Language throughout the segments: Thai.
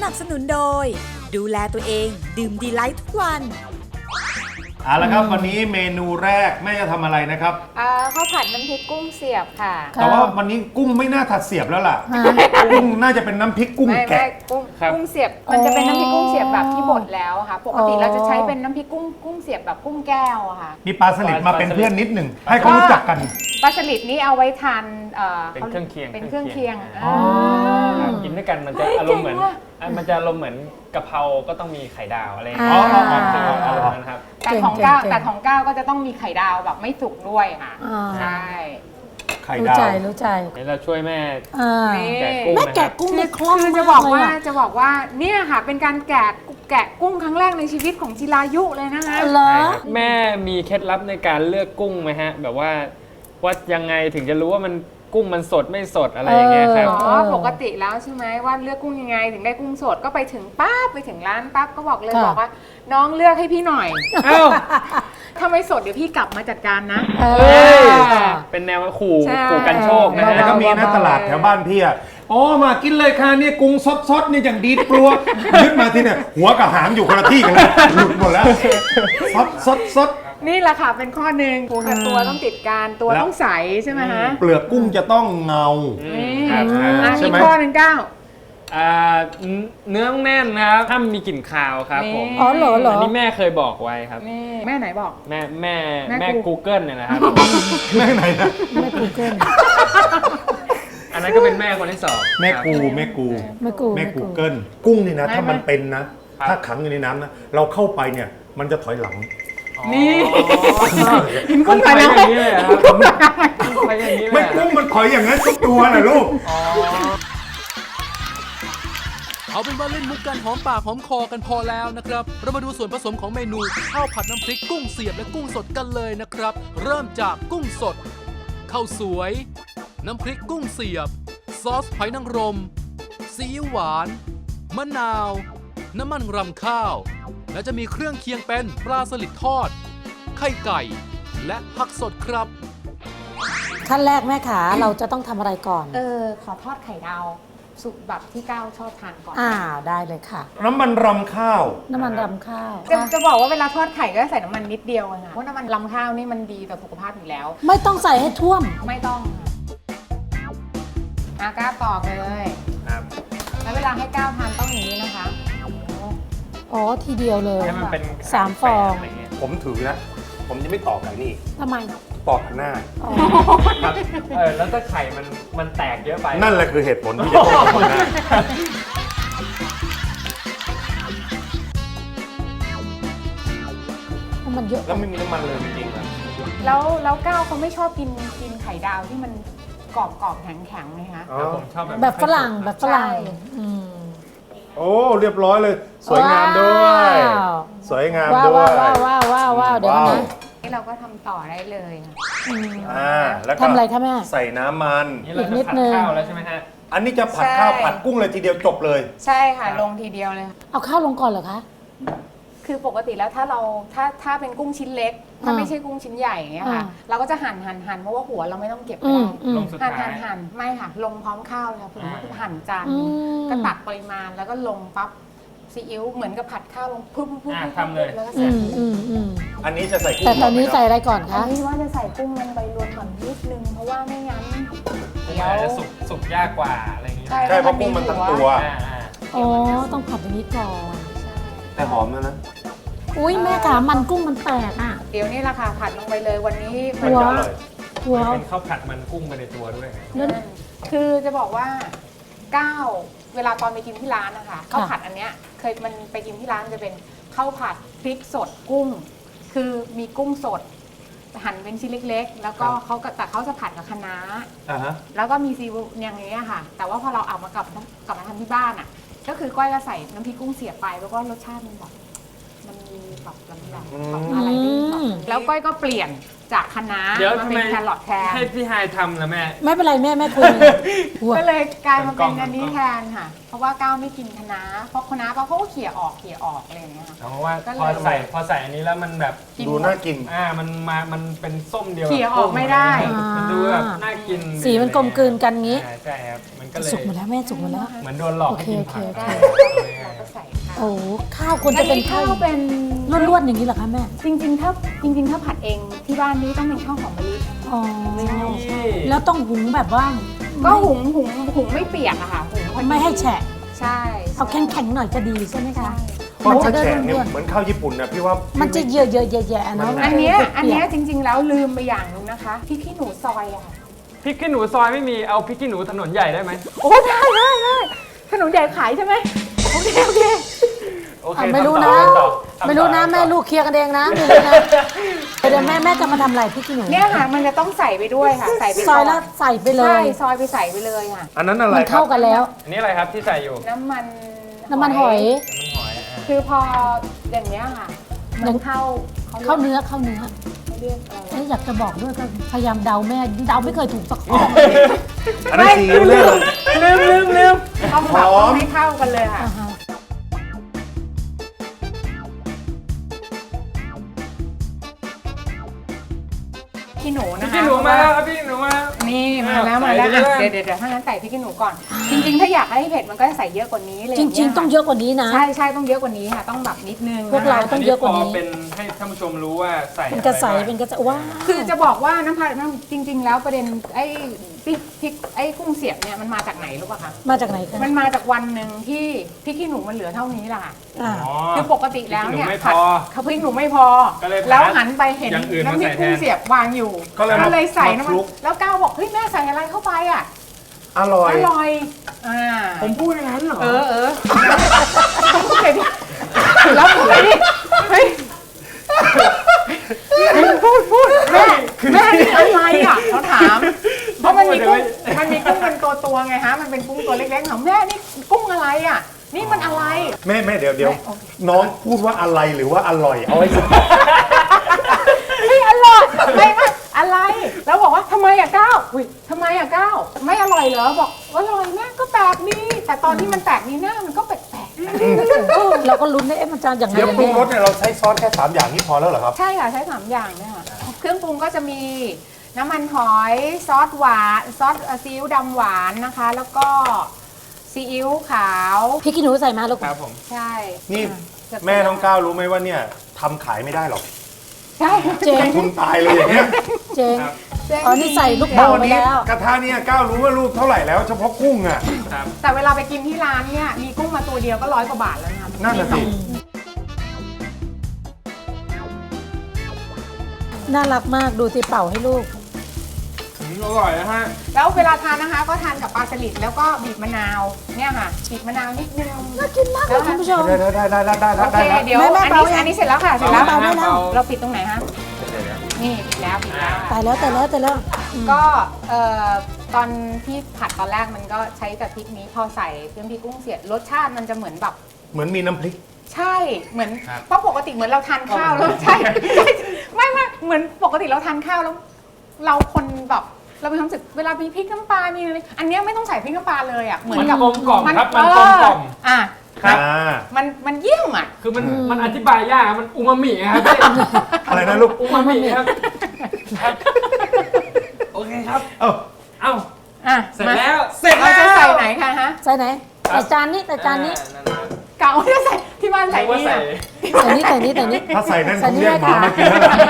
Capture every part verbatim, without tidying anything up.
นับสนุนโดยดูแลตัวเองดื่มดีไลท์ทุกวันเอาละครับวันนี้เมนูแรกแม่จะทำอะไรนะครับข้าวผัดน้ำพริกกุ้งเสียบค่ะแต่ว่าวันนี้กุ้งไม่น่าถัดเสียบแล้วล่ะกุ้งน่าจะเป็นน้ำพริกกุ้งแกะกุ้งกุ้งเสียบมันจะเป็นน้ำพริกกุ้งเสียบแบบที่บดแล้วค่ะปกติเราจะใช้เป็นน้ำพริกกุ้งกุ้งเสียบแบบกุ้งแก้วค่ะมีปลาสลิดมาเป็นเพื่อนนิดหนึ่งให้เขารู้จักกันปลาสลิดนี่เอาไว้ทานเป็นเครื่องเคียงเป็นเครื่องเคียงกินด้วยกันมันจะอารมณ์เหมือนมันจะอารมณ์เหมือนกะเพราก็ต้องมีไข่ดาวอะไรอย่างเงี้ยอารมณ์นั้นครับแต่ของก้าวแต่ของก้าวก็จะต้องมีไข่ดาวแบบไม่สุกด้วยค่ะใช่ไข่ดาวรู้ใจรู้ใจเดี๋ยวเราช่วยแม่แกะกุ้งแกะกุ้งในคล่องคือจะบอกว่าจะบอกว่าเนี่ยค่ะเป็นการแกะแกะกุ้งครั้งแรกในชีวิตของจิรายุเลยนะคะเหรอแม่มีเคล็ดลับในการเลือกกุ้งไหมฮะแบบว่าว่ายังไงถึงจะรู้ว่ามันกุ้งมันสดไม่สดอะไรอย่างเงี้ยครับอ๋อปกติแล้วใช่ไหมว่าเลือกกุ้งยังไงถึงได้กุ้งสดก็ไปถึงปั๊บไปถึงร้านปั๊บก็บอกเลยบอกว่าน้องเลือกให้พี่หน่อยอ้าวถ้าไม่สดเดี๋ยวพี่กลับมาจัดการนะเป็นแนวขู่ขู่กันโชคนะแล้วก็มีนะตลาดแถวบ้านพี่อ่ะอ๋อมากินเลยค่ะเนี่ยกุ้งสดๆเนี่ยอย่างดีกลัวยึดมาที่เนี่ยหัวกับหางอยู่คนละที่กันเลยหลุดหมดแล้วสดสดสดนี่แหละค่ะเป็นข้อหนึ่งปูกับตัวต้องติดกันตัวต้องใสใช่ไหมฮะเปลือกกุ้งจะต้องเงาใช่ไหมข้อหนึ่งเก้าเนื้อแน่นนะครับถ้ามีกลิ่นคาวครับผมอ๋อเหรอเหรออันนี้แม่เคยบอกไว้ครับแม่ไหนบอกแม่แม่แม่ Google เนี่ยนะครับแม่ไหนนะแม่ Google อันนั้นก็เป็นแม่คนที่สองแม่กูแม่กูแม่กูแม่ Google กุ้งนี่นะถ้ามันเป็นนะถ้าขังอยู่ในน้ำนะเราเข้าไปเนี่ยมันจะถอยหลังนี่กินกุ้งไปอย่างนี้เลยครับไปอย่างนี้เลยไม่กุ้งมันถอยอย่างนั้นทุกตัวนะลูกเอาเป็นว่าเล่นมุกกันหอมปากหอมคอกันพอแล้วนะครับเรามาดูส่วนผสมของเมนูข้าวผัดน้ำพริกกุ้งเสียบและกุ้งสดกันเลยนะครับเริ่มจากกุ้งสดข้าวสวยน้ำพริกกุ้งเสียบซอสหอยนางรมซีอิ๊วหวานมะนาวน้ำมันรำข้าวและจะมีเครื่องเคียงเป็นปลาสลิดทอดไข่ไก่และผักสดครับขั้นแรกแม่ขาเราจะต้องทำอะไรก่อนเออขอทอดไข่ดาวสุกแบบที่ก้าวชอบทานก่อนอ่าได้เลยค่ะน้ำมันรำข้าวน้ำมันรำข้าวจะจะบอกว่าเวลาทอดไข่ก็ใส่น้ำมันนิดเดียวค่ะเพราะน้ำมันรำข้าวนี่มันดีต่อสุขภาพอยู่แล้วไม่ต้องใส่ให้ท่วมไม่ต้องอาก้าวตอกเลยครับแล้วเวลาให้ก้าวทานต้องอย่างนี้นะคะอ๋อทีเดียวเลยให้มันเป็นสามฟองผมถือนะผมจะไม่ตอกไก่นี่ทำไมตอกหน้าครับเออแล้วถ้าไข่มันมันแตกเยอะไปนั่นแหละคือเหตุผลที่จะตอกหน้ามันเยอะแล้วไม่มีน้ำมันเลยจริงๆนะแล้วแล้วก้าวเขาไม่ชอบกินกินไข่ดาวที่มันกรอบกรอบแข็งแข็งเลยคะผมชอบแบบแบบฝรั่งแบบฝรั่งโอ้เรียบร้อยเลยสวยงามด้วยสวยงามด้วยว้าวว้าวว้าวว้าวเดี๋ยวนะนี่เราก็ทำต่อได้เลยอ่าแล้วก็ทำอะไรคะแม่ใส่น้ำมันอีกนิดนึงข้าวแล้วใช่ไหมฮะอันนี้จะผัดข้าวผัดกุ้งเลยทีเดียวจบเลยใช่ค่ะลงทีเดียวเลยเอาข้าวลงก่อนเหรอคะคือปกติแล้วถ้าเราถ้าถ้าเป็นกุ้งชิ้นเล็กถ้าไม่ใช่กุ้งชิ้นใหญ่เนี่ยค่ะเราก็จะหั่นหั่นหั่นเพราะว่าหัวเราไม่ต้องเก็บได้หั่นหั่นหั่นไม่ค่ะลงพร้อมข้าวเลยค่ะคือหั่นจานก็ตักปริมาณแล้วก็ลงปั๊บซีอิ๊วเหมือนกับผัดข้าวลงพุ่งพุ่งทำเลยแล้วก็ใส่อันนี้จะใส่กุ้งแต่ตอนนี้ใส่อะไรก่อนคะอันนี้ว่าจะใส่กุ้งลงไปรวมก่อนนิดนึงเพราะว่าไม่งั้นเดี๋ยวจะสุกสุกยากกว่าอะไรอย่างเงี้ยใช่เพราะกุ้งมันทั้งตัวอ๋อต้องผัดอย่างนี้ก่อนแต่หอมนะนะอุ้ยแม่ขามันกุ้งมันแตกอ่ะเดี๋ยวนี่แหละค่ะผัดลงไปเลยวันนี้มันจะอร่อยเป็นข้าวผัดมันกุ้งไปในตัวด้วยคือจะบอกว่าก้าวเวลาตอนไปกินที่ร้านนะคะข้าวผัดอันเนี้ยเคยมันไปกินที่ร้านจะเป็นข้าวผัดพริกสดกุ้งคือมีกุ้งสดหั่นเป็นชิ้นเล็กๆแล้วก็เขาแต่เขาจะผัดกับคะน้าแล้วก็มีซีอิ๊วอย่างนี้ค่ะแต่ว่าพอเราเอามากลับกลับมาทำที่บ้านอ่ะก็คือก้อยก็ใส่น้ำพริกกุ้งเสียบไปแล้วก็รสชาติมันแบบมันปรับลำไยปรับอะไรได้ปรับแล้วก้อยก็เปลี่ยนจากคะน้าเดี๋ยวมาทำเป็ไมนแครอทแทนให้พี่ไฮายทำนะแม่ไม่เป็นไรแม่แม่คุยหัวก็เลยกลายมาเป็นกล่องๆอันนี้แทนค่ะ เพราะว่าก้าวไม่กินคะน้าเพราะคะน้าเขาก็เขี่ยออกเขี่ยออกอะไรอย่างเงี้ยค่ะเพราะว่าก็เลยพอใส่พอใส่อันนี้แล้วมันแบบกินดูน่ากินอ่ามันมามันเป็นส้มเดียวเขี่ยออกไม่ได้มันดูแบบน่ากินสีมันกลมกลืนกันงี้อ่าใช่ครับมันก็เลยสุกหมดแล้วแม่สุกหมดแล้วเหมือนโดนหลอกให้กินผักโอเคได้โอเคเราก็ใส่ข้าวโอ้ข้าวควรจะเป็นข้าวอัเป็นล้วนๆอย่างนี้เหรอคะแม่จริงๆถ้าจริง ๆ ถ้าผัดเองที่บ้านนี้ต้องเป็นข้าวหอมมะลิอ๋อนี่แล้วต้องหุงแบบว่าก็หุงหุงหุงไม่เปียกอะค่ะหุงพอดีไม่ให้แฉะใช่เอาแข็งๆหน่อยจะดีใช่ไหมคะเพราะมันว่าจะได้แฉะเนี่ยร่วนเหมือนข้าวญี่ปุ่นนะพี่ว่าๆมันจะเยอะๆแยะๆเนาะอันเนี้ยมัจะอันเนี้ยเปียกจริง ๆ แล้วลืมไปอย่างหนึงนะคะพริกขี้หนูซอยอะค่ะพริกขี้หนูซอยไม่มีเอาพริกขี้หนูถนนใหญ่ได้ไหมโอ้ได้ได้ได้ขนมใหญ่ขายใช่ไหมโอเคโอเคโอเคอ่ะไม่รู้นะทำต่อทำต่อไม่รู้นะทำต่อแม่ลูกเคลียร์กันเองนะไม่รู้นะเดี๋ยวแม่แม่จะมาทำอะไรพี่กินหนูเนี่ยค่ะมันจะต้องใส่ไปด้วยค่ะ ใส่ไปซอยแล้วใส่ไปเลใช่ยซอยไปใส่ไปเลยค่ะอันนั้นอะไรมันครัเข้าบกันแล้วอันนี้อะไรครับที่ใส่อยู่น้ำมันน้ำมันหอยน้ำหอยอ่ะคือพออย่างเนี้ยค่ะ มันเข้าเข้าเนื้อเข้าเนื้อเขาเรียกอะไรเอ๊ะอยากจะบอกด้วยก็พยายามเดาแม่เดาไม่เคยถูกสักข้ออันนั้นซีอิ๊วเลยลืมลืมลืมต้องแบบหอมให้เข้ากันเลยค่ะอ่าฮะขี้หนูพรินะกคะขี้หนูมาแล้วครับพริกขี้หนูมานี่มาแล้วมาแล้วอ่ะเดี๋ยวเดี๋ยวเดี๋ยวถ้างั้นใส่พริกขี้หนูก่อน จริง ๆ ถ้าอยากให้เผ็ดมันก็จะใส่เยอะกว่านี้เลยจริง ๆ ต้องเยอะกว่านี้นะใช่ใช่ต้องเยอะกว่านี้ค่ะ ต้องแบบนิดนึงพวกเรานะคะต้องเยอะกว่านี้พเป็นให้ท่านผู้ชมรู้ว่าใส่เป็นกระใสอไบ้างเป็นกระใสว้าวคือจะบอกว่าน้ำผัดน้ำจริง ๆ แล้วประเด็นไอ้พริกพริกไอ้กุ้งเสียบเนี่ยมันมาจากไหนรู้ป่ะคะมาจากไหนคะมันมาจากวันหนึ่งที่พริกขี้หนูมันเหลือเท่านี้แหละค่ะอ่าอ๋อคือปกติแล้วเนี่ยพริกขี้หนูไม่พผัดอข้าวพริกหนูไม่พอก็เลยแล้วหันไปเห็นอย่างอื่นมาน้ำพริกใส่แทนกุ้งเสียบวางอยู่ก็เลยมาเลยใส่น้ำมามัคลุนกแล้วก้าวบอกเฮ้ยแม่ใส่อะไรเข้าไปอ่ะอร่อยอร่อยอ่าผมพูดอย่างนั้นเหรอเออเออต้องพูดเลยดิแล้วพูดเลยดิเฮ้ยพูดพูดแม่แม่นี่อะไรอ่ะเขาถามเพราะมันมีกุ้งมันมีกุ้งเป็นตัวตัวๆไงฮะมันเป็นกุ้งตัวเล็กๆถามแม่นี่กุ้งอะไรอ่ะ นี่มันอะไรแม่แม่เดี๋ยวเดี๋ยวแม่โอเคน้องพูดว่าอะไรหรือว่าอร่อยเอาไว้ไม่อร่อยไม่ไม่อะไร แล้วบอกว่าทำไมอ่ะก้าวอุ้ยทำไมอ่ะก้าวไม่อร่อยเหรอบอกอร่อยแม่ก็แปลกดีแต่ตอนที่มันแปลกนี่หน้ามันก็แปลกเออเราก็ลุ้นได้เอ๊ะมันจะอย่างไงเดี๋ยวกันปรุงแน่รสเนี่ยเราใช้ซอสแค่สามอย่างนี้พอแล้วเหรอครับๆใช่ค่ะใช้สามอย่างเนี่ยค่ะเครื่องปรุงก็จะมีน้ำมันหอยซอสหวานซอสซีอิ๊วดำหวานนะคะ แล้วก็ซีอิ๊วขาวพี่กินหนูใส่มาลูกครับผมใช่นี่จะแม่น้องก้าวรู้ไหมว่าเนี่ยทำขายไม่ได้หรอกใช่เจ๊งทุนตายเลยอย่างเงี้ยเจ๊งครับอ๋อนี่ใส่ลูกเมื่เต๋าอวันไปนี้แล้วกระทะเนี่ยก้าวรู้ว่าลูกเท่าไหร่แล้ว เฉพาะกุ้งอ่ะครับแต่เวลาไปกินที่ร้านเนี่ยมีกุ้งมาตัวเดียวก็ร้อยกว่าบาทแล้วนะคะนั่นน่ะสิน่ารักมากดูสิเป่าให้ลูกอืมอร่อยนะฮะแล้วเวลาทานนะคะก็ทานกับปลาสลิดแล้วก็บีบมะนาวเนี่ยค่ะบีบมะนาวนิดนึงน่ากินมากเลยคุณผู้ชมได้ได้ได้ได้ได้ได้โอเคได้เดี๋ยวแม่แม่อันเบานี้ยังอันนี้เสร็จแล้วค่ะเสร็จแล้วเบาได้แล้วเราปิดตรงไหนฮะนี่ปิดแล้วปิดแล้วตายแล้วตายแล้วตายแล้วอืมก็เอ่อตอนที่ผัดตอนแรกมันก็ใช้แต่พริกนี้พอใส่เครื่องพริกกุ้งเสียดรสชาติมันจะเหมือนแบบเหมือนมีน้ำพริกใช่เหมือนครับเพราะปกติเหมือนเราทานข้าวแล้วใช่ใช่ไม่ไม่เหมือนปกติเราทานข้าวแล้ว เราคนแบบเรามีความรู้สึกเวลามีพริกน้ำปลามีอะไรอันเนี้ยไม่ต้องใส่พริกน้ำปลาเลยอ่ะเหมือนกับมันกลมกล่อมครับมันกลมกล่อมเอ่ะครับอ่ามันมันเยี่ยมอ่ะคือมันมันอธิบายยากครับมันอูมามิครับพี่อะไรนะลูกอูมามิครับครับโอเคครับเอ้าเอ้าอ่ะเสร็จมาแล้วเสร็จเราแล้วจะใส่ไหนคะฮะใส่ไหนใส่จานนี้ใส่จานนี้อ่นั่นนะกะว่าจะใส่ที่บ้านใส่นึกว่านี่ใส่อะใส่นี้ใส่นี้ใส่นี้ถ้าใส่นั่นใส่คงนี่เรียกหมาได้ค่ะมากินแล้วล่ะ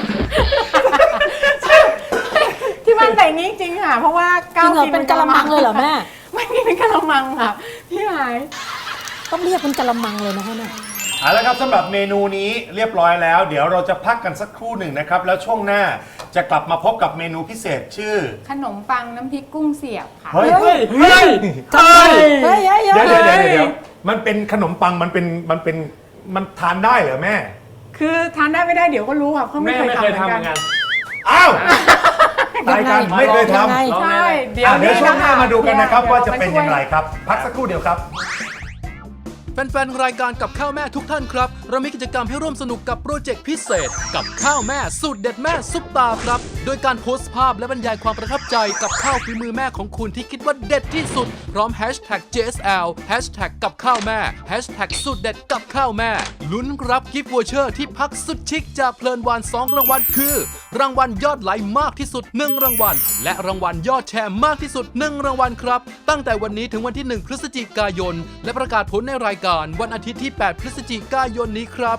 ที่บ้านใส่นี้จริงค่ะ เพราะว่าจริงเหรอเป็นกะละมังเลยเหรอแม่ไม่มีเป็นกะละมังค่ะพี่หายต้องเรียกเป็นกะละมังเลยนะคะเนี่ยเอาละครับสำหรับเมนูนี้เรียบร้อยแล้ว เดี๋ยวเราจะพักกันสักครู่หนึ่งนะครับ แล้วช่วงหน้าจะกลับมาพบกับเมนูพิเศษชื่อขนมปังน้ำพริกกุ้งเสียบค่ะเฮ้ยเฮ้ยเฮ้ยทำไมเฮ้ยเฮ้ยเดี๋ยวเฮ้เดี๋ยยวเดี๋ยวเดี๋ยวมันเป็นขนมปังมันเป็นมันเป็นมันทานได้เหรอแม่คือทานได้ไม่ได้เดี๋ยวก็รู้ค่ะเพราะไม่แม่เคยไม่ทำเคยเหมืทำอนเหกัมือนกันอ้าวรายการไม่เคยทยังไงำใช่เดี๋ยวอ่ะเดี๋ยวช่วงหน้ามาดูกันนะครับเดี๋ว่าจะเป็นอย่างไรมครับ พักสักครู่เดียวครับแฟนๆ รายการกับข้าวแม่ทุกท่านครับ เรามีกิจกรรมให้ร่วมสนุกกับโปรเจกต์พิเศษ กับข้าวแม่สูตรเด็ดแม่ซุปตาครับ โดยการโพสต์ภาพและบรรยายความประทับใจกับข้าวฝีมือแม่ของคุณที่คิดว่าเด็ดที่สุด พร้อมแฮชแท็ก เจ เอส แอล แฮชแท็กกับข้าวแม่แฮชแท็กสูตรเด็ดกับข้าวแม่ลุ้นรับกิฟต์วอเชอร์ที่พักสุดชิคจากเพลินวานสองรางวัลคือ รางวัลยอดไลค์มากที่สุดหนึ่งรางวัลและรางวัลยอดแชร์มากที่สุดหนึ่งรางวัลครับตั้งแต่วันนี้ถึงวันที่หนึ่งพฤศจิกายนและประกาศผลในรายการวันอาทิตย์ที่แปดพฤศจิกายนนี้ครับ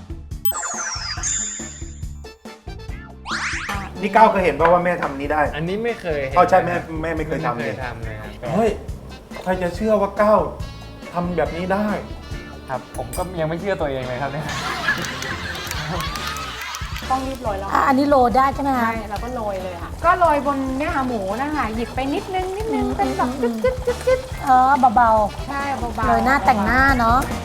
นี่ก้าวเคยเห็นป่าว่าแม่ทำนี้ได้อันนี้ไม่เคยห็นเอาใช่แม่แม่ไม่เคยทำไม่เลเคยยทำเลยครับเฮ้ยใครจะเชื่อว่าก้าวทำแบบนี้ได้ครับ ผมก็ยังไม่เชื่อตัวเองเลยครับเนี่ยต้องรีบโรยแล้วอ่ะอันนี้โรยได้ใช่ไหมใช่คะเราก็โรยเลยค่ะ ก็โรยบนเนี่ยค่ะหมูนะคะหยิบไปนิดนึงนิดนึงเป็นแบบจิ๊บจิ๊บจิ๊บจิ๊บเออเบาใช่เบาๆๆโรยหน้าแต่งหน้าเนาะใ